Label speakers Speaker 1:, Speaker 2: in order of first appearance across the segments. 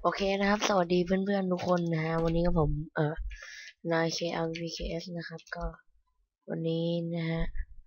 Speaker 1: โอเคนะครับสวัสดีเพื่อนๆทุกคนนะฮะวันนี้กับผมนาย KLVKS นะครับก็วันนี้นะฮะ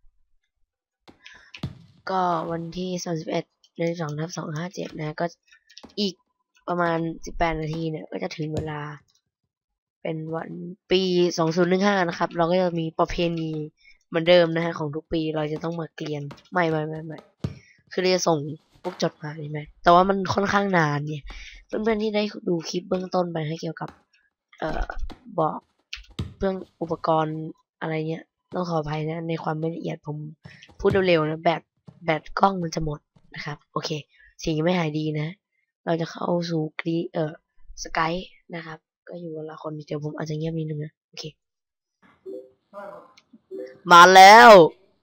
Speaker 1: ก็วันที่31/2/257นะฮะก็อีกประมาณ18นาทีเนี่ยก็จะถึงเวลาเป็นวันปี2015นะครับเราก็จะมีประเพณีเหมือนเดิมนะฮะของทุกปีเราจะต้องมาเกลียนไม่คือเราจะส่งพวกจดหมายไหมแต่ว่ามันค่อนข้างนานเนี่ยเพื่อนๆที่ได้ดูคลิปเบื้องต้นไปให้เกี่ยวกับบอกเรื่องอุปกรณ์อะไรเงี้ยต้องขออภัยนะในความไม่ละเอียดผมพูดเร็วๆนะแบตกล้องมันจะหมดนะครับโอเคสิ่งยังไม่หายดีนะเราจะเข้าสู่สกายนะครับก็อยู่กับละคนเดี๋ยวผมอาจจะเงียบนิดนึงนะโอเคมาแล้ว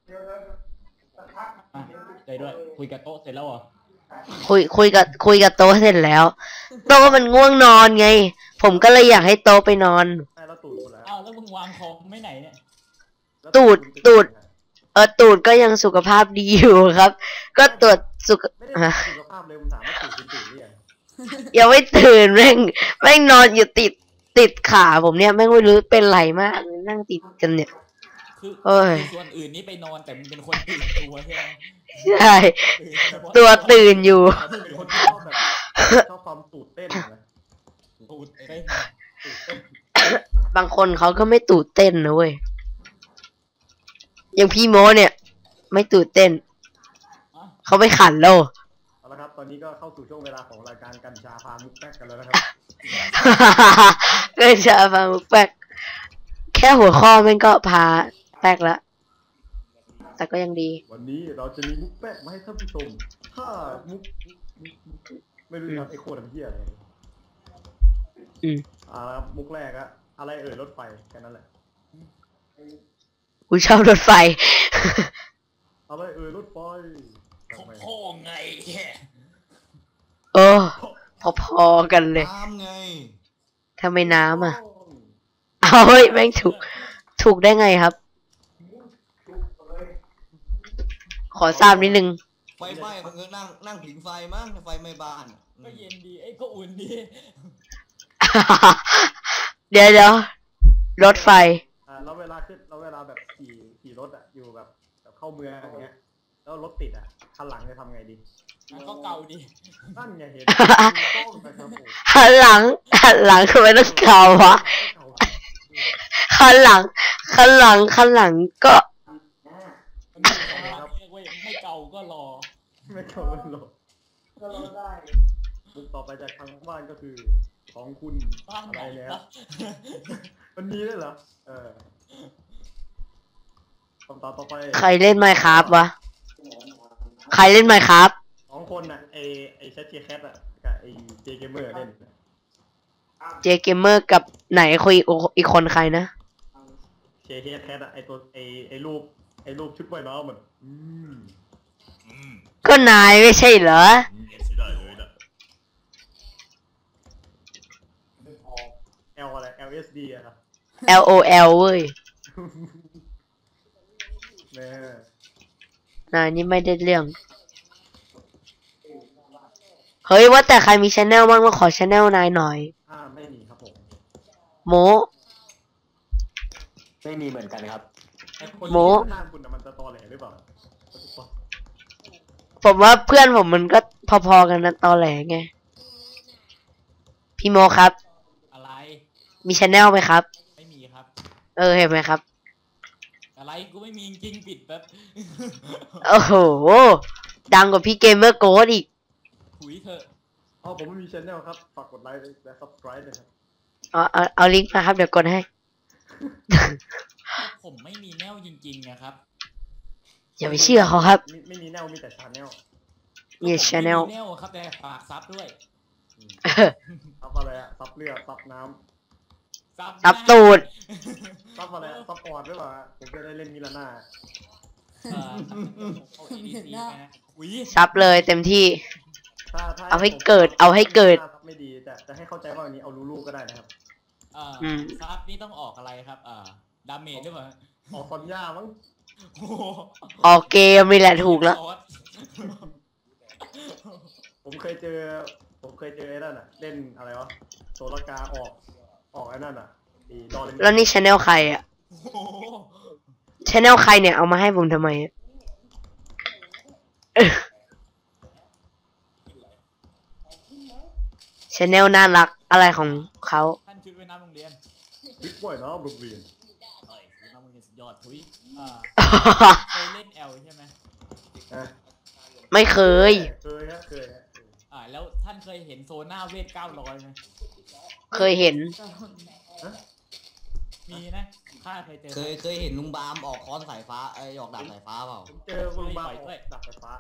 Speaker 2: ใจด้วยคุยกับโต๊ะเสร็จแล้วเหรอ
Speaker 1: คุยกับโต๊ะเสร็จแล้วโต๊ะมันง่วงนอนไงผมก็เลยอยากให้โต๊ะไปนอน
Speaker 2: แล้วตูดคนแล้วอ้าวแล้วมึงวางคอมไม่ไหนเนี่ย
Speaker 1: ตูดตูดก็ยังสุขภาพดีอยู่ครับก็ตรวจสุข
Speaker 2: ภาพเลยมึงถามว่าตื่นหรือยัง
Speaker 1: ยังไม่ตื่นแม่งนอนอยู่ติดขาผมเนี่ยแม่งไม่รู้เป็นไรมากนั่งติดกันเนี่ย
Speaker 2: คือส่วนอื่นนี่ไปนอนแต่มึงเป็นคนตื่นตัวใช่ไหม
Speaker 1: ใช่ตัวตื่นอยู่
Speaker 2: เป็นคนชอบความตูดเต้นนะตูดเต้น
Speaker 1: บางคนเขาก็ไม่ตูดเต้นนะเว้ยอย่างพี่โมเนี่ยไม่ตูดเต้นเขาไม่ขันโล
Speaker 2: เอาละครับตอนนี้ก็เข้าสู่ช่วงเวลาของรายการกัญชาพามุกแป๊กกันแล้วนะครับ
Speaker 1: กัญชาพามุกแป๊กแค่หัวข้อมันก็พาแป๊กละแต่ก็ยังดี
Speaker 2: วันนี้เราจะมีมุกแป๊กมาให้ท่านผู้ชมถ้ามุกไม่รู้ครับไอ้โคตรเหี้ยอะไรมุกแรกอะอะไรรถไฟแค่นั้นแหละ
Speaker 1: กูชอบรถไฟ
Speaker 2: อะไรรถไฟพ่อไง
Speaker 1: พอกันเลย
Speaker 2: น้ำไง
Speaker 1: ทำไมน้ำอ่ะเอาเฮ้ยแม่งถูกได้ไงครับขอทราบนิดนึง
Speaker 3: ไฟไหม้มันก็นั่งผิงไฟมั้งไฟไหม้บ้าน
Speaker 2: ก็เย็นดีก็อุ่นดี
Speaker 1: เดี๋ยวรถไฟ
Speaker 2: แล้วเวลาแบบขี่รถอ่ะอยู่แบบเข้าเมืองอย่างเงี้ยแล้วรถติดอ่ะคันหลังจะทำไงดีก็เก่าดีนั่นไงเห็น
Speaker 1: หันหลังทำไมต้องเก่าวะคันหลังก็
Speaker 2: ไม่เก่าก็รอได้มุกต่อไปจากทางบ้านก็คือของคุณอะไรแล้วมันมีด้วยเหรอคำตอบต่อไป
Speaker 1: ใครเล่นไมค์ครับวะใครเล่นไมค์ครับ
Speaker 2: 2 คนน่ะไอแชทเจแคทอ่ะกับไอเจเกมเมอร์เล่น
Speaker 1: เจเกมเมอร์กับไหนคุยอีกคนใครนะ
Speaker 2: เจแคทอ่ะไอตัวไอรูปชุดว่ายน้ำมัน
Speaker 1: ก็นายไม่ใช่เหรอ
Speaker 2: L อะไร LSD อะครับ
Speaker 1: LOL เว้ย
Speaker 2: น
Speaker 1: ายนี่ไม่ได้เรื่องเฮ้ยว่าแต่ใครมีชาแนลบ้างมาขอชาแนลนายหน่อย
Speaker 2: ไม่มีครับผม
Speaker 1: โม
Speaker 3: ไม่มีเหมือนกันครับ
Speaker 1: โม
Speaker 2: คุณมันจะตอแหลหรือเปล่า
Speaker 1: ผมว่าเพื่อนผมมันก็พอๆกันนะตอแหลไงพี่โมครับ
Speaker 2: อะไร
Speaker 1: มีชาแนลไหมครับ
Speaker 2: ไม่มีครับ
Speaker 1: เห็นไหมครับ
Speaker 2: อะไรกูไม่มีจริงปิดแบบ
Speaker 1: โอ้โหดังกว่าพี่เกมเมอร์โกดอีก
Speaker 2: ถุยเถอะผมไม่มีชแนลครับฝากกดไลค์และ subscribe เลยครับ
Speaker 1: เอาลิงก์มาครับเดี๋ยวกดให้
Speaker 2: ผมไม่มีแนวจริงๆนะครับ
Speaker 1: อย่าไปเชื่อเขาครับ
Speaker 2: ไม่มีแนวมีแต่ชาแนล
Speaker 1: มีชาแนล
Speaker 2: ครับแต่ฝากซับด้วยซับอะไรอะซับเลือดซับน้ำ
Speaker 1: ซับตูด
Speaker 2: ซับอะไรซับปอดด้วยเหรอผมจะได้เล่นมิลาน่า
Speaker 1: ซับเลยเต็มที่เอาให้เกิด
Speaker 2: ไม่ดีแต่ให้เข้าใจว่าอันนี้เอาลูก็ได้นะครับซับนี่ต้องออกอะไรครับดาเมจด้วยเหรอออกคอนย่ามั้ง
Speaker 1: ออกเกมนี่แหละถูกแล้ว
Speaker 2: ผมเคยเจอผมเคยเจอไอ้นั่นอ่ะเล่นอะไรวะโซลกาออกไอ้นั่นอ่ะอีดอล
Speaker 1: แล้วนี่ชแนลใครอ่ะ
Speaker 4: โอ้โห
Speaker 1: ชแนลใครเนี่ยเอามาให้ผมทำไมอะชแนลน่ารักอะไรของเขา
Speaker 4: ท่านชุดว่ายน้ำโรงเรียน
Speaker 2: บิ๊กบอยนะโรงเรียน
Speaker 4: เอ้ยชุดน้ำโรงเรียนสุดยอดทุยเคยเล่นแอลใช่ไหม
Speaker 2: อ่ะ
Speaker 1: ไม่เคย
Speaker 2: เคยฮะ
Speaker 4: แล้วท่านเคยเห็นโซน่าเวท900ไหม
Speaker 1: เคยเห็น
Speaker 4: มีนะข้าเคยเจอ
Speaker 3: เคยเห็นลุงบามออกค้อนสายฟ้าออกดาบสายฟ้าเปล่า
Speaker 2: ผมเจอคุณบาดับไฟฟ้า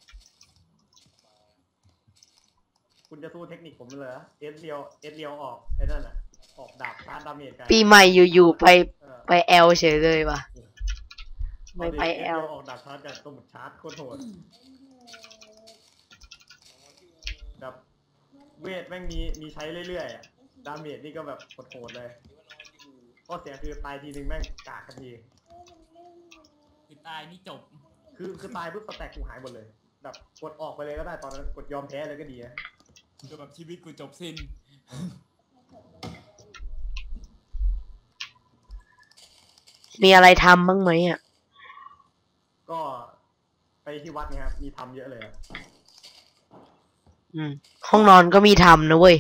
Speaker 2: คุณจะสู้เทคนิคผมเลยเหรอเอสเรียวออกไอ้นั่นอ่ะออกดาบชาร์จดาเมจกัน
Speaker 1: ปีใหม่อยู่ๆไป
Speaker 2: เออ
Speaker 1: ไปแอลเฉยเลยว่ะ ไม่ไปแอล
Speaker 2: ออกดาบชาร์จกันตัวหมดชาร์จโคตรโหดแบบเวทแม่งมีใช้เรื่อยๆอะดาเมจนี่ก็แบบโหดๆเลยข้อเสียคือตายทีนึงแม่งกากทันที
Speaker 4: คือตายนี่จบ
Speaker 2: คือตายปุ๊บสแต็กกูหายหมดเลยแบบกดออกไปเลยก็ได้ตอนนั้นกดยอมแพ้เลยก็ดีนะ
Speaker 4: คือแบบชีวิตกูจบสิ้น
Speaker 1: มีอะไรทำบ้างไหมอ่ะ
Speaker 2: ก็ไปที่วัดเนี่ยครับมีทำเยอะเลยอะ
Speaker 1: ห้องนอนก็มีทำนะเว้ย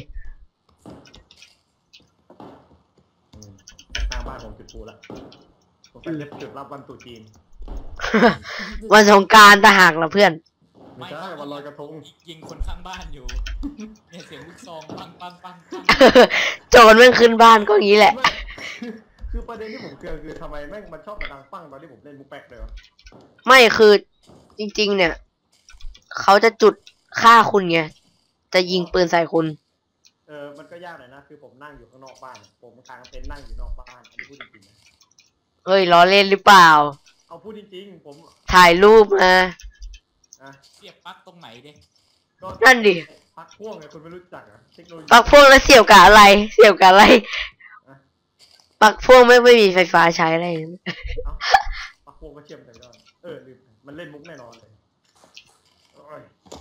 Speaker 2: ทางบ้านผมจุดปูละผมเป็นเล็บจุดรับวันตรุษจีน
Speaker 1: วันสงกรานต์ต่างหากละเพื่อน
Speaker 2: ไม่ใช่วันลอยกระทง
Speaker 4: ยิงคนข้างบ้านอยู่เนี่ยเสียงลูกซองปังปังปังปัง
Speaker 1: โจรแม่งขึ้นบ้านก็อย่างนี้แหละ
Speaker 2: ไม่คือประเด็นที่ผมเคืองคือทำไมแม่งมันชอบมาดังปั้งตอนที่ผมเล่นมุกแป๊กเลยวะ
Speaker 1: ไม่คือจริงๆ เนี่ย เขาจะจุดฆ่าคุณไง จะยิงปืนใส่คุณ
Speaker 2: มันก็ยากหน่อยนะคือผมนั่งอยู่ข้างนอกบ้านผมกลางเต็นท์นั่งอยู่นอกบ้านอันนี้พูดจริงๆนะ
Speaker 1: เฮ้ยล้อเล่นหรือเปล่า
Speaker 2: เอาพูดจริงๆผม
Speaker 1: ถ่ายรูปมา
Speaker 2: นะ
Speaker 4: เสียบปลั๊กตรงไหนเด้
Speaker 2: ก็
Speaker 1: นั่นดิ
Speaker 2: พักพ่วงไงคุณไม่รู้จักอะเทคโนโลยี
Speaker 1: ปลั๊กพ่วงแล้วเสียบกับอะไร เสียบกับอะไรปลั๊กพ่วงไม่มีไฟฟ้าใช้อะไร
Speaker 2: เอ้าพักพ่วงก็เชื่อมกันได้ลืมมันเล่นมุกแน่นอนเลยโอ้ย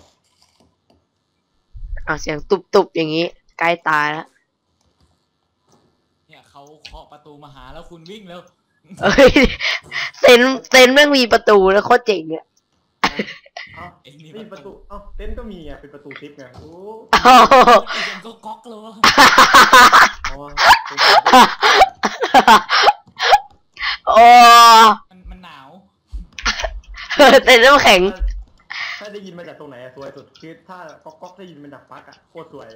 Speaker 1: เอาเสียงตุบๆอย่างนี้ใกล้ตายแล้ว
Speaker 4: เนี่ยเขาเคาะประตูมาหาแล้วคุณวิ่งแล้ว
Speaker 1: เอ้ยเซนแม่งมีประตูแล้วโคตรเจ๋งเนี่ย
Speaker 2: เอ้า
Speaker 4: เอ็งนี่
Speaker 2: นี่ประตูเอ้าเต็นท์ก็มีไงเป็นประตูทิปไงโอ้
Speaker 1: อ้าว
Speaker 4: ยังก็ก๊อกเลยวะ
Speaker 2: อ๋อ
Speaker 1: โอ้
Speaker 4: มันหนาว
Speaker 1: เต็นน้ำแข็ง
Speaker 2: ถ้าได้ยินมาจากตรงไหนอะสวยสุดคือถ้าก๊อกได้ยินมาจากปลั๊กอะโคตรสวย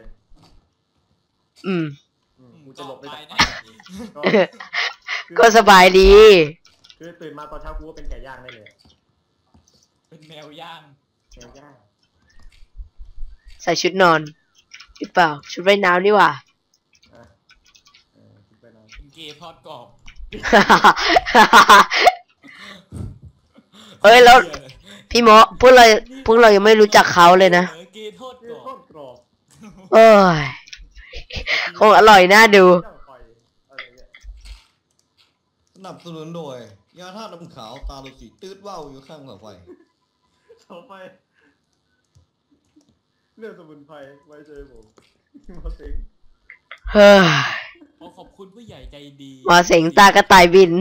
Speaker 2: กูจะหลบไปจากปลั๊กก็
Speaker 1: ก็สบายดี
Speaker 2: คือตื่นมาตอนเช้ากูก็เป็นไก่ย่างได้เลย
Speaker 4: เป็นแมวย่าง
Speaker 2: ไก่ย่าง
Speaker 1: ใส่ชุดนอนหรือเปล่า ชุดว่ายน้ำนี่หว่า
Speaker 2: อ่ะคิดไปนอน
Speaker 4: เป็นเกย์ทอดกรอบ
Speaker 1: เฮ้ยแล้วพี่หมอพวกเรายังไม่รู้จักเขาเลยนะ
Speaker 4: เกย์ทอด
Speaker 2: เนื้
Speaker 4: ก
Speaker 2: อ
Speaker 4: รอ
Speaker 2: ทอบ ดกรอบ
Speaker 1: เอ้ย คงอร่อยน่าดู
Speaker 2: ย่างไฟอะไรเงี้ย
Speaker 3: สนับสนุนโดยยาธาตุน้ำขาวตาลุสีตืดว่าวอยู่ข้างเสาไฟ
Speaker 2: ต่อไปเรื่องสมุนไพรไว้เจอผมมาสิง
Speaker 1: เฮ้ย
Speaker 4: ขอบคุณผู้ใหญ่ใจดี
Speaker 1: มาเสียงตากระต่ายบิน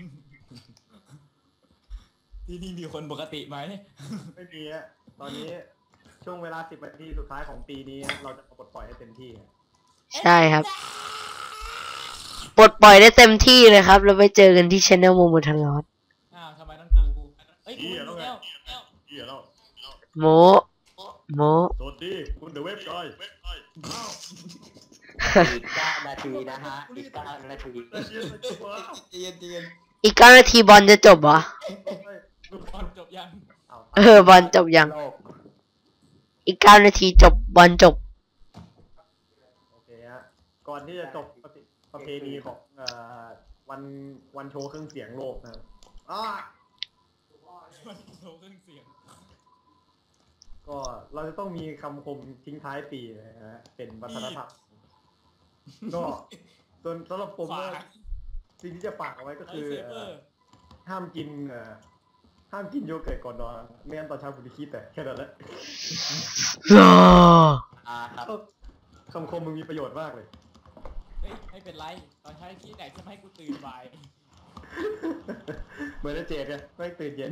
Speaker 4: ที่นี่มีคนปกติไหม
Speaker 2: ไม่มีฮะตอนนี้ช่วงเวลา10 นาทีสุดท้ายของปีนี้เราจะปลดปล่อยให้เต็มที่ฮะ
Speaker 1: ใช่ครับ ปลดปล่อยได้เต็มที่เลยครับ เราไปเจอกันที่ช anel โมโมทันลอด
Speaker 4: อ้าวทำไมต้องกูเอ้ยกูรู้แล้ว
Speaker 2: เหี้ยแล้ว
Speaker 1: โมโม
Speaker 2: สวัสดีคุณเดอะเว็บจอย
Speaker 5: อีก9 นาทีนะฮะ อีก 9 นาที
Speaker 3: เย็นเย็น
Speaker 1: อีก9 นาทีบอลจะจบเหรอ
Speaker 4: ตอนจบยัง
Speaker 1: บอลจบยัง
Speaker 5: โลก
Speaker 1: อีก9 นาทีจบบอลจบ
Speaker 2: โอเคฮะก่อนที่จะจบประเพณีของวันโชว์เครื่องเสียงโลกนะครับ
Speaker 4: มันโชว์เครื่องเสียง
Speaker 2: ก็เราจะต้องมีคำคมทิ้งท้ายปีนะฮะเป็นวัฒนธรรมก็ส่วนสำหรับผม
Speaker 4: ฝา
Speaker 2: เนี่ย
Speaker 4: ก
Speaker 2: สิ่งที่จะฝากเอาไว้ก็
Speaker 4: ไล
Speaker 2: คือ
Speaker 4: ท์เซเบอร์
Speaker 2: ห้ามกินโยเกิร์ตก่อนนอนไม่งั้นตอนเช้าคุณจะคิดแต่แค่นั้นแหละ
Speaker 5: อ่าครับ
Speaker 2: คำคมมึงมีประโยชน์มากเลย
Speaker 4: เฮ้ยไม่เป็นไรตอนใช้ที่ไหนจะไม่ให้กูตื่นบ่าย
Speaker 2: เหมือนเจดไงไม่ตื่นเย็น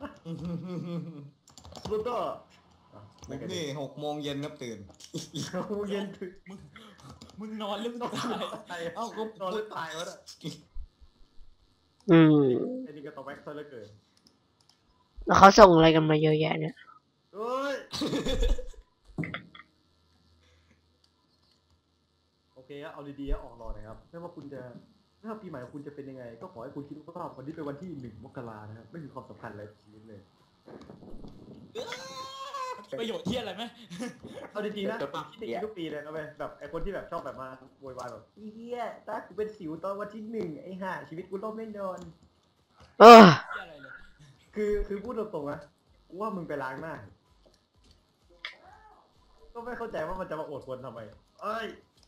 Speaker 2: ลูกก็
Speaker 3: ผมนี่6 โมงเย็นครับตื่น
Speaker 2: กูเย็นถึง
Speaker 4: มึงนอนหรือมึงตาย
Speaker 3: เอ้าก็
Speaker 2: นอนหรือตายวะเนี่ย
Speaker 1: อืม
Speaker 2: ไอ้นี่ก็ต้องแบ็คเซอร์เหลือเกิน
Speaker 1: แล้วเขาส่งอะไรกันมาเยอะแยะเนี่ย
Speaker 2: เฮ้ย โอเคครับเอาดีๆออกรอหน่อยครับไม่ว่าคุณจะไม่ว่าปีใหม่คุณจะเป็นยังไง ก็ขอให้คุณคิดว่าวันนี้เป็นวันที่1 มกรานะครับไม่มีความสำคัญอะไรกับชีวิตเลย
Speaker 4: ประโยชน์ที่อะไรไหม
Speaker 2: เอาจริงๆนะผมคิดอย่างนี้ทุกปีเลยนะเว้ยแบบไอ้คนที่แบบชอบแบบมาโวยวายแบบเฮียถ้ากูเป็นสิวตอนวันที่1ไอ้ห่าชีวิตกูล่มแน่นอน
Speaker 1: เออ
Speaker 4: ที่อะไรเลย
Speaker 2: คือพูดตรงๆนะกูว่ามึงไปล้างหน้า ก็ไม่เข้าใจว่ามันจะมาอดควรทำไมเอ้ย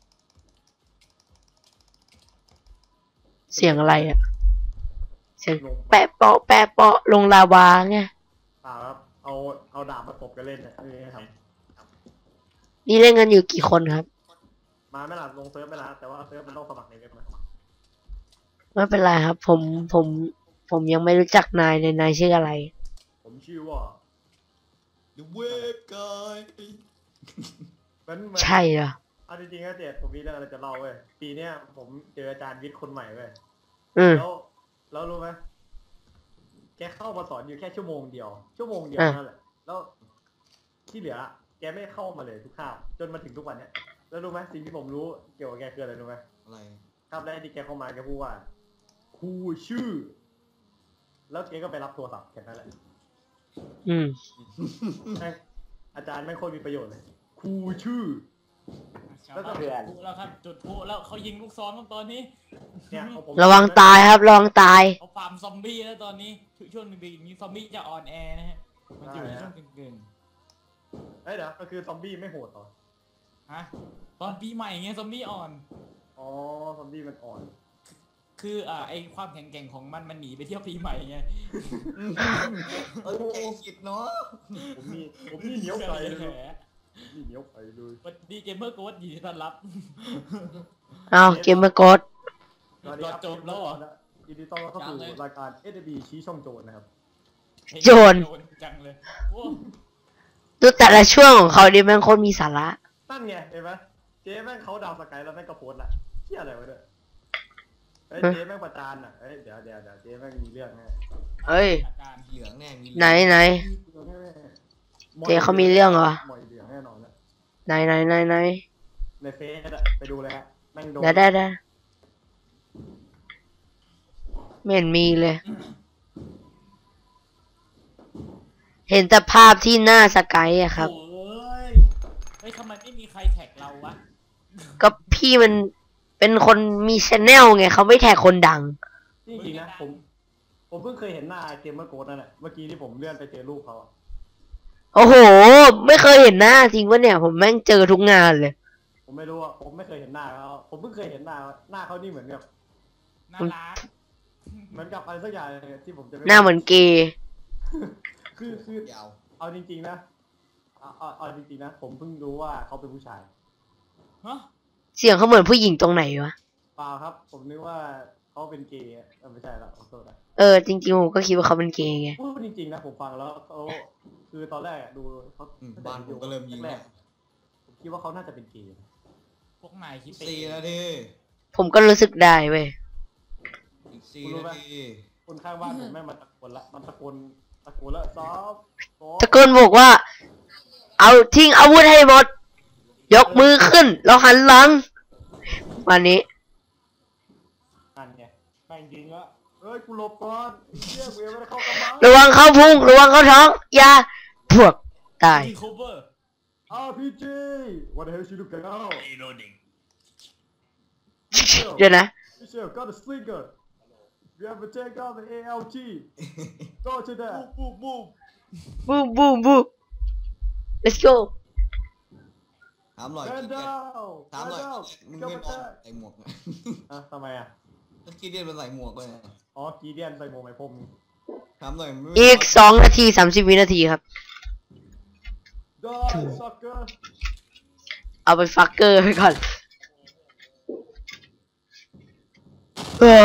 Speaker 1: เสียงอะไรอ่ะ เสียงแปะเปาะแปะเปาะลงลาวาไง
Speaker 2: เปล่าครับเอาดาบมาตบกันเล่นเนี่ยไม่มีให้ท
Speaker 1: นี่เล่นกันอยู่กี่คนครับ
Speaker 2: ำมาไม่ล่ะลงเซิร์ฟไม่ล่ะแต่ว่าเซิร์ฟมันต้องสมัครในเว็บนะ
Speaker 1: ไม่เป็นไรครับ ผมยังไม่รู้จักนายเลยนายชื่ออะไร
Speaker 2: ผมชื่อว่า
Speaker 3: The Wave Guy
Speaker 2: มัน
Speaker 1: ใช่เหรอ
Speaker 2: เอาจริงๆนะเจดผมมีเรื่องอะไรจะเล่าเว้ยปีเนี้ยผมเจออาจารย์วิทย์คนใหม่เว้ย
Speaker 1: อืม
Speaker 2: แล้วรู้ไหมแกเข้ามาสอนอยู่แค่ชั่วโมงเดียวนั่นแหละแล้วที่เหลือแกไม่เข้ามาเลยทุกคาบจนมาถึงทุกวันเนี้ยแล้วรู้ไหมสิ่งที่ผมรู้เกี่ยวกับแกคืออะไรรู้ไหม
Speaker 3: อะไร
Speaker 2: คาบแรกที่แกเข้ามาแกพูดว่าครูชื่อ แล้วแกก็ไปรับโทรศัพท์แค่นั้นแหละ
Speaker 1: อืม
Speaker 2: แม่งอาจารย์ไม่งโคตรมีประโยชน์เลยครูชื่อ แล้วก็
Speaker 4: จุดพลุแล้วครับจุดพลุแล้วเขายิงลูกซองครับตอนนี้
Speaker 2: เนี่ยเอาผม
Speaker 1: ระวังตายครับระวังตาย
Speaker 4: เขาฟาร์มซอมบี้แล้วตอนนี้ช่วงหนึ่งนี้ซอมบี้จะออนแอร์นะฮะมันอยู่ในช่วงกึ่ง
Speaker 2: เอ้ยเดี๋ยวก็คือซอมบี้ไม่โหดเหรอ
Speaker 4: ๆฮะตอนปีใหม่ไงซอมบี้อ่อน
Speaker 2: อ๋อซอมบี้มันอ่อน
Speaker 4: คือไอความแข็งแกร่งของมันหนีไปเที่ยวปีใหม่ไง
Speaker 3: เอ้ยใจคิดเนาะ
Speaker 2: ผมนี่เหนียวไก่เลยนี่เหนียวไก่เลย
Speaker 4: วันดีเกมเมอร์โค้ดยินดีต้อนรับ
Speaker 1: เอาเกมเมอร์กด
Speaker 2: สวัสดีครับ
Speaker 4: จบแล้วเหรอ
Speaker 2: ยินดีต้อนรับเข้าสู่รายการ SB ชี้ช่องโจรนะครับ
Speaker 1: โจร
Speaker 4: จังเลยโอ้
Speaker 1: ดูแต่ละช่วงของเขาดิแม่งโคตรมีสาระ
Speaker 2: ตั้นไงเห็นไหมเจ๊แม่งเขาดาวสกายแล้วแม่งก็โพสต์ละเที่ยอะไรวะเนี่ยเฮ้ยเจ๊แม่งประจานอ่ะเฮ้ยเดี๋ยวเจ๊แม่งมีเรื่องแน่
Speaker 1: เฮ้ย
Speaker 4: อาการ
Speaker 3: เหลืองแน่มี
Speaker 1: ไหนเจ๊เขามีเรื่องเหรอ
Speaker 2: หมอยเหลืองแน่นอนนะ
Speaker 1: ไหน
Speaker 2: ในเฟซอะไปดูเลยฮะแม่งโดน
Speaker 1: ได้ไม่เห็นมีเลย เห็นแต่ภาพที่หน้าสกายอะครับ
Speaker 4: โอ้ยเฮ้ยทำไมไม่มีใครแท็กเราวะ
Speaker 1: ก็พี่มันเป็นคนมีชแนลไงเขาไม่แท็กคนดัง
Speaker 2: จริงๆนะผมเพิ่งเคยเห็นหน้าเกมเมอร์โกดนั่นแหละเมื่อกี้ที่ผมเลื่อนไปเจอรูปเขาอะ
Speaker 1: โอ้โห ไม่เคยเห็นหน้าจริงวะเนี่ย ผมแม่งเจอทุกงานเลย
Speaker 2: ผมไม่รู้อ่ะผมไม่เคยเห็นหน้าเขาผมเพิ่งเคยเห็นหน้าเขานี่เหมือนกับ
Speaker 4: น่ารัก
Speaker 2: เหมือนกับอะไรสักอย่างที่ผมจะไม่
Speaker 1: หน้าเหมือนเกย์
Speaker 2: คือ
Speaker 3: ยาว
Speaker 2: เอาจริงๆนะเอาจริงๆนะผมเพิ่งรู้ว่าเขาเป็นผู้ชาย
Speaker 4: ฮะ
Speaker 1: เสียงเขาเหมือนผู้หญิงตรงไหนวะ
Speaker 2: เปล่าครับ ผมนึกว่าเขาเป็นเกย์ไม่ใช่แล้วขอโทษนะ
Speaker 1: จริงๆผมก็คิดว่าเขาเป็นเกย์ไง
Speaker 2: พูดจริงๆนะผมฟังแล้วเขาคือตอนแรกดูเขา
Speaker 3: บ้านผมก็เริ่มยิง
Speaker 2: แร
Speaker 3: แล้
Speaker 2: ก
Speaker 3: ว
Speaker 2: ๆผมคิดว่าเขาน่าจะเป็นเกย์
Speaker 4: พวกนายคิดไป
Speaker 3: 4 นาที
Speaker 1: ผมก็รู้สึกได้เว้ย
Speaker 3: อีก4 นาที
Speaker 2: คนข้างบ้านผมแม่งมันตะโกนละมันตะโกนแล้วซ้อม
Speaker 1: ตะโกนบอกว่า เอาทิ้งอาวุธให้หมด ยกมือขึ้น แล้วหันหลัง วันนี้
Speaker 2: นั่นไงแม่งยิงละเอ้ยกูหลบก่อนเชี่ยกูยังไม่ได้เข้ากำบัง
Speaker 1: ระวังเข้าพุง ระวังเข้าท้อง อย่าพวกตาย
Speaker 4: ทีโคเวอร์
Speaker 2: RPG what the hell should you get out
Speaker 1: เดี๋ยวนะ
Speaker 2: Michelle got a slinger you have to take out the ALG go to that
Speaker 4: บูม
Speaker 1: บูมบูมบูม let's go
Speaker 3: ถามหน่อย
Speaker 2: stand down
Speaker 3: ถามหน่อย
Speaker 2: stand down
Speaker 3: มึง
Speaker 2: go
Speaker 3: ไม่
Speaker 2: back
Speaker 3: มองใส่หมวกนะ
Speaker 2: ทำไมอ่ะ
Speaker 3: แล้วกีเดียนมันใส่หมวกเลยนะ
Speaker 2: อ๋อกีเดียนใส่หมวกไหมพรม
Speaker 3: ถามหน่อยมึง
Speaker 1: อีก2 นาที 30 วินาทีครับ
Speaker 2: die sucker
Speaker 1: เอาไปฟักเกอร์ไปก่อนเออ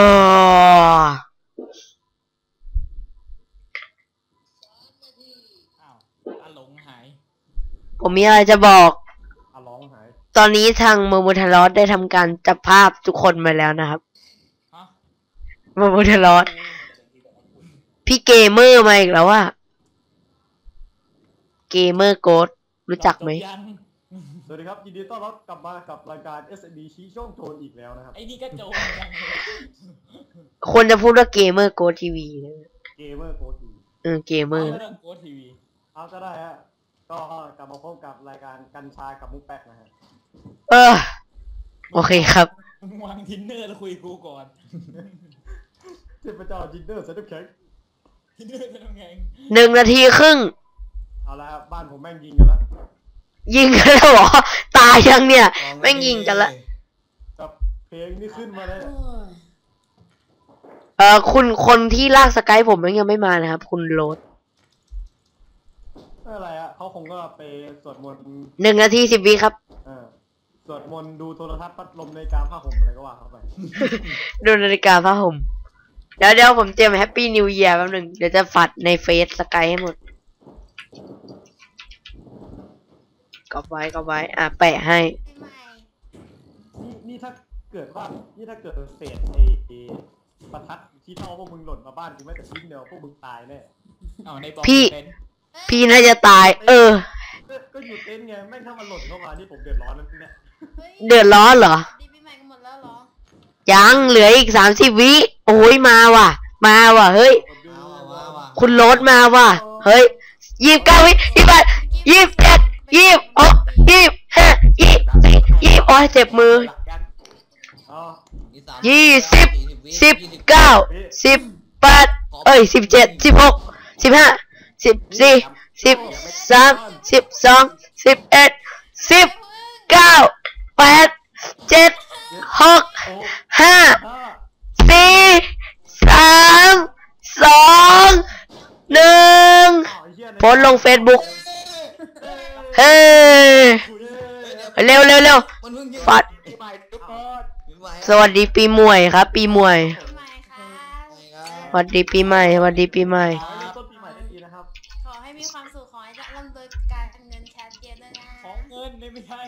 Speaker 4: อ้าวอาหลงหาย
Speaker 1: ผมมีอะไรจะบอก
Speaker 2: ร้องหาย
Speaker 1: ตอนนี้ทางโมโมทารอสได้ทำการจับภาพทุกคนมาแล้วนะครับ
Speaker 4: ฮะ
Speaker 1: โมโมทารอสพี่เกมเมอร์มาอีกแล้วว่าเกมเมอร์โกดรู้จักไหม
Speaker 4: จบยัง
Speaker 2: สวัสดีครับยินดีต้อนรับกลับมากับรายการ SMD ชี้ช่องโจรอีกแล้วนะครับ
Speaker 4: ไอ้นี่ก็โจรยัง
Speaker 1: ควรจะพูดว่าเกมเมอร์โกดทีวีนะ
Speaker 2: เกมเมอร์โกดี
Speaker 1: เกมเมอร์
Speaker 4: เรื่องโกทีวี
Speaker 2: เอาก็ได้ฮะก็กลับมาพบกับรายการกัญชากับมุกแป๊กนะฮะ
Speaker 1: โอเคครับ
Speaker 4: มึงวางทินเนอร์แล้วคุยกูก่อน
Speaker 2: เทพเจ้าจินเดอร์เซนต์แข็ง
Speaker 4: ทินเนอร์จะทำไง
Speaker 1: 1 นาทีครึ่ง
Speaker 2: เอาละครับบ้านผมแม่งยิงกันแล้ว
Speaker 1: ยิงกันแล้วเหรอ ตายยังเนี่ย แม่งยิงกันละ
Speaker 2: กับเพลงนี่ขึ้นมาเลย
Speaker 1: คุณคนที่ลากสกายผมยังไม่มานะครับ คุณโรส
Speaker 2: ไม่อะไรอะเขาคงก็ไปสวดมนต์
Speaker 1: 1 นาที 10 วิครับ
Speaker 2: สวดมนต์ดูโทรทัศน์พัดลมในกลางผ้าห่มอะไรก็ว่าเข้าไป
Speaker 1: ดูนาฬิกาผ้าห่มเดี๋ยวผมเตรียมแฮปปี้นิว e ยร์แป๊บนึง เดี๋ยวจะฝัดในเฟซสกายให้หมดก็ไว้แปะให้
Speaker 2: นี่ถ้าเกิดว่านี่ถ้าเกิดเศษไอ้ประทัดที่เท่าพวกมึงหล่นมาบ้านกูไม่แต่ชิ้นเดียวพวกมึงตายแน่
Speaker 4: เอาในบอ
Speaker 1: พี่
Speaker 4: เป็น
Speaker 1: พี่น่าจะตาย
Speaker 2: ก็อยู่เต็นท์ไงแม่งถ้ามันหล่นเข้ามานี่ผมเดือดร้อนนั่นเนี่ย
Speaker 1: เดือดร้อนเหรอ
Speaker 6: ดีปีใหม่กันหมดแล้วเหรอ
Speaker 1: ยังเหลืออีก30 วิโอ้ยมาว่ะ เฮ้ย คุณโรสมาว่ะ เฮ้ย29 วิ28 27 26 25 24โอ้ยเจ็บมือ
Speaker 2: อ๋อ
Speaker 1: 20 19 1817 16 15 14 13 12 11 10 9 8 7 6 5 4 3 2 1โพสต์ลง Facebook เฮ้ยเร็ว
Speaker 3: มันเพิ่งยิง
Speaker 1: ฟัด
Speaker 5: ปีใหม่ทุกคน
Speaker 3: ปีใหม่
Speaker 1: สวัสดีปีมวยครับ ปีมวย
Speaker 6: ปีใหม่ค่ะ
Speaker 1: สวัสดีปีใหม่สวัสดีปีใหม่
Speaker 2: ขอให้เริ่มต้นปีใหม่ได้ดีนะครับ
Speaker 6: ขอให้มีความสุขขอให้ร่ำรวยการเงินชัดเจนด้วยนะ
Speaker 4: ของเงินนี่ไม่ใช่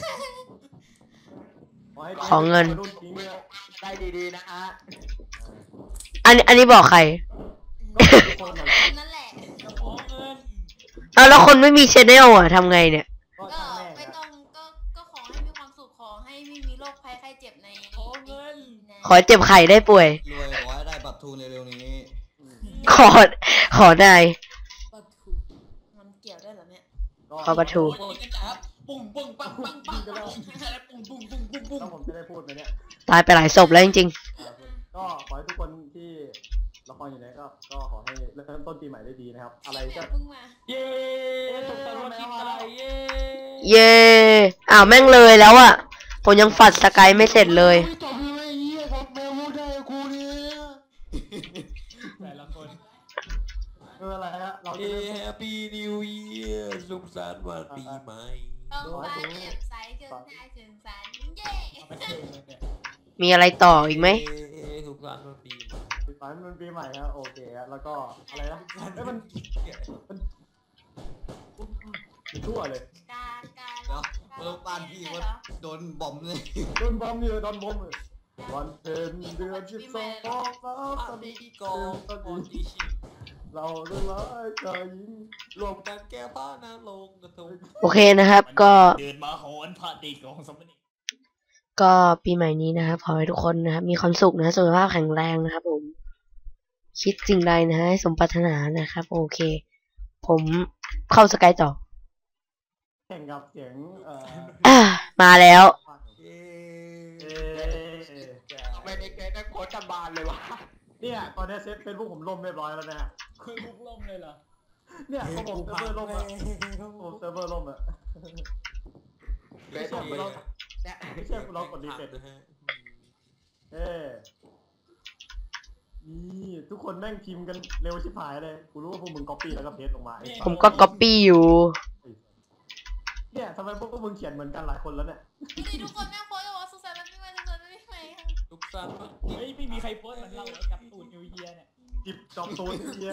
Speaker 2: ให้
Speaker 1: ขอเงิน
Speaker 2: รุ่นทิ้งเนี่ย
Speaker 5: ได้ดีๆนะฮะ
Speaker 1: อันนี้บอกใคร
Speaker 2: ทุกคนน่ะ
Speaker 6: นั่นแหละ
Speaker 4: ของเงิน
Speaker 1: เอาแล้วคนไม่มีชแนลอ่ะทำไงเนี่ย
Speaker 2: ก็
Speaker 6: ก็
Speaker 2: ช่างแม่ง
Speaker 6: ไม่
Speaker 2: นะ
Speaker 6: ต้องก็ขอให้มีความสุขขอให้ไม่มีโรคภัยไข้เจ็บใน
Speaker 4: ของเงิน
Speaker 1: ขอเจ็บไข่ได้ป่วย
Speaker 3: รวยขอให้ได้บัตรทูนเร็วๆนี้
Speaker 1: ขอได้
Speaker 6: มันเกี่ยวด้วยเหรอเนี่ย
Speaker 1: ขอประทู
Speaker 4: โอ้ยกันจ้าปุ้งปุ้งปังปังปังปังปุ้งปุ้งปุ้งปุ้งปุ้ง
Speaker 2: แล้วผมจะได้พูดไหมเนี่ย
Speaker 1: ตายไปหลายศพแล้วจริง
Speaker 2: ก็ขอให้ทุกคนที่ละครอยู่ไหนก็ขอให้เริ่มต้นปีใหม่ได้ดีนะครับ อะไร
Speaker 6: เดี๋
Speaker 2: ก็
Speaker 6: ยวเพิ่งมา
Speaker 4: เย้ถูกต้องคิดอะไรเย้
Speaker 1: ๆ เย่อ้าวแม่งเลยแล้วอ่ะ ผมยังฝัดสกายไม่เสร็จเลย
Speaker 3: จบเลยเหี้ยครับแมวพูดได้กูเนี่ย
Speaker 4: แต่ละคน
Speaker 2: อะไรฮะเราจะ
Speaker 3: เอ้
Speaker 2: เริ่ม
Speaker 3: แฮปปี้นิวเยียร์สุขสันต์วันปีใหม่
Speaker 6: ต้องฟ้าเจ็บใสจนหน้าถึงสันเย้
Speaker 4: เอาไปเทเลยเนี่ย
Speaker 1: มีอะไรต่ออีกไหม
Speaker 3: สุขสันต์วันปีใหม่
Speaker 2: ฝันมันปีใหม่ครับโอเคฮะแล้วก็อะไรนะเอ้ยมันชั่วเลย
Speaker 6: กากา
Speaker 3: เดี๋ยวเมื่อบ้านพี่ว่าโดนบอมเลย
Speaker 2: โดนบอมอยู่โดนบอมเลยวันเพ็ญเดือน12ฟ้าสดีกองสดีเราเรื่องร้ายใจยิง
Speaker 3: รวมกันแก้ผ้าน้ำลงกระทง
Speaker 1: โอเคนะครับ ก็
Speaker 4: เดินมาโหนพระตีของสมณี
Speaker 1: ก็ปีใหม่นี้นะครับขอให้ทุกคนนะครับมีความสุขนะสุขภาพแข็งแรงนะครับผม คิดสิ่งใดนะให้สมปรารถนานะครับ โอเค ผมเข้าสกายต่อ
Speaker 2: แข่งกับเสียง
Speaker 1: มาแล้ว
Speaker 3: เย้
Speaker 5: ไม่ได้เกิดนักโคตรบานเลยวะ
Speaker 2: เนี่ยตอนนี้เซฟเฟซบุ๊กผมล่มเรียบร้อยแล้วนะ
Speaker 4: คุยบุกล่มเลยเหรอ
Speaker 2: เนี่ยผมเซิร์ฟเวอร์ล่มอะผมเซิร์ฟเวอร์ล่มอะ
Speaker 5: เลยผมเนี่ย
Speaker 2: ไม่ใช่เรากดรีเฟรชนี่ทุกคนแม่งพิมพ์กันเร็วชิบหายเลยกูรู้ว่าพวกมึงก๊อปปี้แล้วก็เพจลงมาไอ้
Speaker 1: ผมก็ก๊อปปี้อยู่
Speaker 2: เนี่ยทำไมพวกมึงเขียนเหมือนกันหลายคนแล้วเนี่ย
Speaker 6: ดูดิทุกคนแม่งโพสต์ว่าสุขสันต์วันปีใหม่สุขสันต์วันปีใหม่ค่ะ
Speaker 3: ทุกสันต์
Speaker 4: เฮ้ยไม่มีใครโพสต์เหมือนเราเลยกับตูนนิวเยียร์เนี่ย
Speaker 2: จิบจอบตูนเนี่ย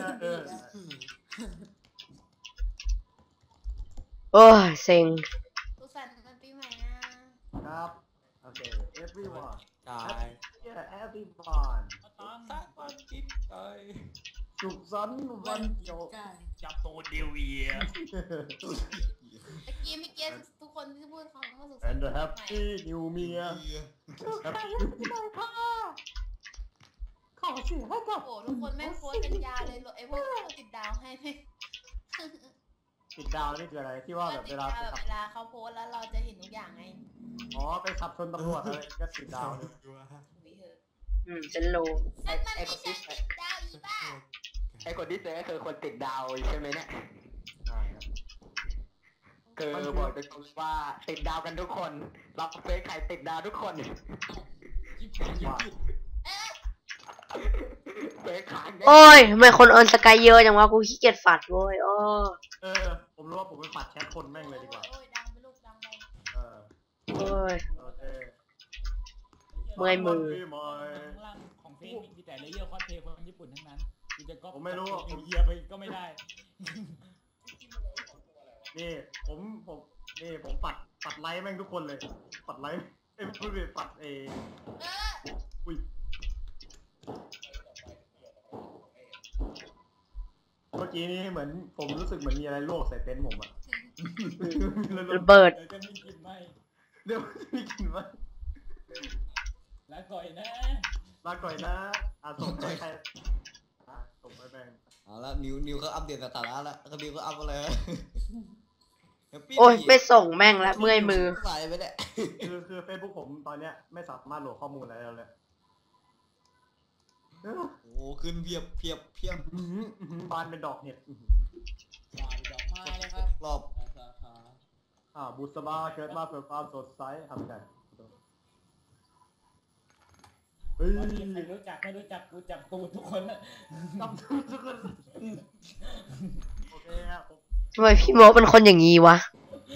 Speaker 1: โอ้ยเซ็ง
Speaker 6: สุขสันต์วันปีใหม่นะครับ
Speaker 2: โอเค everyone
Speaker 3: ตาย
Speaker 2: yeah everyone
Speaker 4: ต้อง
Speaker 3: สร้างความคิดใจ
Speaker 2: สุขสันต์วันเกี่ยว
Speaker 4: จับตูนนิวเยียร์
Speaker 6: ตะกี้ไม่เก็ตทุกคนที่พูดคำว่าสุขสัน
Speaker 2: and
Speaker 6: ต์
Speaker 2: the
Speaker 6: วันปีใหม่
Speaker 2: happy new year happy new year ค่ะขอเสียงให้กับ
Speaker 6: โอ้ทุกคนแม่งโพสต์กันยาวเลยไอ้พวกติดดาวให้ไหม
Speaker 2: ติดดาวนี่คืออะไรที่ว่าแบบ
Speaker 6: ติ
Speaker 2: เว
Speaker 6: ด
Speaker 2: ลา
Speaker 6: ดาวแบบเวลาเขาโพสต์แล้วเราจะเห็นทุกอย่างไง
Speaker 2: อ๋อไปขับชนตำรวจอะไรก็ติดดาวเลย
Speaker 6: วิเหอะ
Speaker 1: ฉันรู้
Speaker 6: นั่นมันไม่ใช่ติดดาวอีบ้า
Speaker 5: ไอ้คนที่เจอก็คือคนติดดาวใช่ไหมเนี่ย
Speaker 2: ใช่ครับ
Speaker 5: คือบอกตรงๆว่าติดดาวกันทุกคนเราเฟซใครติดดาวทุกคน
Speaker 2: ว่า
Speaker 5: เฟซขาย
Speaker 1: โอ้ยทำไมคนเอิร์นสกายเยอะจังวะกูขี้เกียจฝัดเว้ยอ้อ
Speaker 2: ผมรู้ว่าผมไปปัดแชทคนแม่งเลยดีกว่า
Speaker 6: โอ้ยดังไปลูกดังไป
Speaker 2: เออ
Speaker 1: โอ้ย
Speaker 2: โอเค
Speaker 1: เมื่อยมือ
Speaker 2: ปีใหม่
Speaker 4: ข้างล่างของเฟซมีแต่เลเยอร์คอสเพลย์คนญี่ปุ่นทั้งนั้นกูจะก็
Speaker 2: ผมไม่รู้
Speaker 4: นิวเยียร์ไปก็ไม่ได้
Speaker 2: นี่ผมปัดไลค์แม่งทุกคนเลย ปัดไลค์พูดเลยปัด
Speaker 6: เออ
Speaker 2: อุ้ยเมื่อกี้นี้เหมือนผมรู้สึกเหมือนมีอะไรลวกใส่เต็นท์ผมอะ
Speaker 1: ระเบิด
Speaker 4: เดี๋ยวจะมีกลิ่นไหม
Speaker 2: เดี๋ยวมีกลิ่นไหม
Speaker 4: แล้วก่อยนะ
Speaker 2: ลาก่อยนะส่งไปใครส่งไปแบง
Speaker 3: เอาละนิวเขาอัปเดตสถานะแล้วเขานิวก็อัปอะไร
Speaker 1: โอ้ยไม่ส่งแม่งละเมื่อยมือ
Speaker 3: ไหลไปเนี่ย
Speaker 2: คือเฟซบุ๊กผมตอนเนี้ยไม่สามารถโหลดข้อมูลอะไรแล้วเลย
Speaker 3: โอ้ขึ้นเพียบ
Speaker 2: บานเป็นดอกเห็ด
Speaker 4: หวานดอกไม้เลยครับ
Speaker 3: รอบ
Speaker 4: สาขา
Speaker 2: บุษบาเกิดมาเพื่อความสดใสทำไงเฮ้ย
Speaker 4: ไม่มีใครรู้จักไม่รู้จักกูจักตูนทุกคนนะ
Speaker 2: จำทุกคนโอเคครับผม
Speaker 1: ทำไมพี่โมเป็นคนอย่างนี้วะ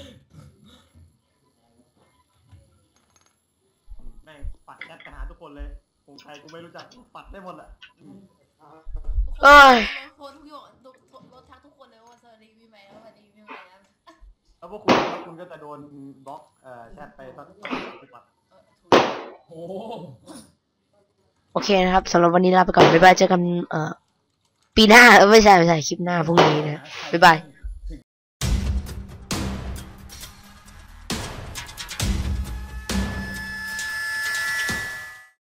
Speaker 2: แม่งปัดแชทไปหาทุกคนเลยผมใครกูไม่รู้จักปัดได้หมดแหละ
Speaker 1: เอ้ย
Speaker 6: โพสต์ทุกอย่างรถทักทุกคนเลยว่าสวัสดีปีใหม่แล้วสวัสดีปีใหม่นะ
Speaker 2: แล้วพวกคุณก็จะโดนบล็อกแชทไปสักปัด
Speaker 4: โอ้โห
Speaker 1: โอเคนะครับสำหรับวันนี้ลาไปก่อนบ๊ายบายเจอกันปีหน้าไม่ใช่คลิปหน้าพรุ่งนี้นะบ๊ายบาย